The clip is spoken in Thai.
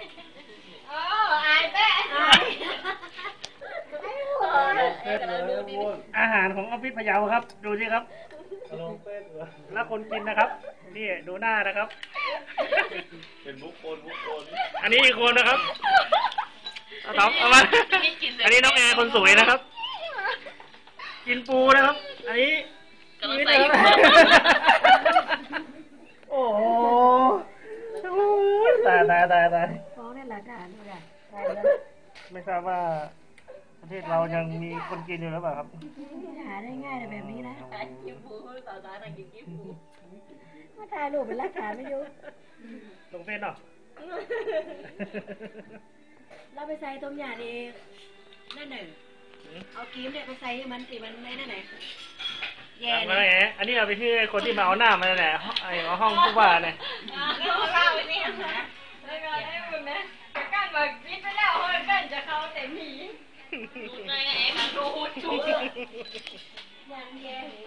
โอ้อายแม่อายอาหารของออฟฟิศพะเยาครับ ดูสิครับ แล้วคนกินนะครับ นี่ดูหน้านะครับเป็นบุคคลอันนี้อีกคนนะครับเอามาอันนี้น้องแอร์คนสวยนะครับ กินปูนะครับ อันนี้นี่นะครับโอ้โหตายฟ้องในหลักฐานเลยไม่ทราบว่าประเทศเรายังมีคนกินอยู่หรือเปล่าครับหาได้ง่ายแบบนี้นะกินปูสาวๆนะกินปูมาถ่ายรูปเป็นหลักฐานไม่ยุ่งลงเฟซเนาะเราไปใส่ต้มยำเองนั่นหนึ่งเอากีมเนี่ยไปใส่มันสิมันไม่นั่นไหนแย่เลยอันนี้เอาไปที่คนที่มาเอาหน้ามาแหละไอ้ห้องผู้ว่าเนี่ยเขาเล่าไปนี่นะแล้วก็ให้คุณนะจะกั้นมาคิดไปแล้วเฮ้ยเป็นจะเข้าแต่หมีดูไงไอ้มันดูชุดยังแย่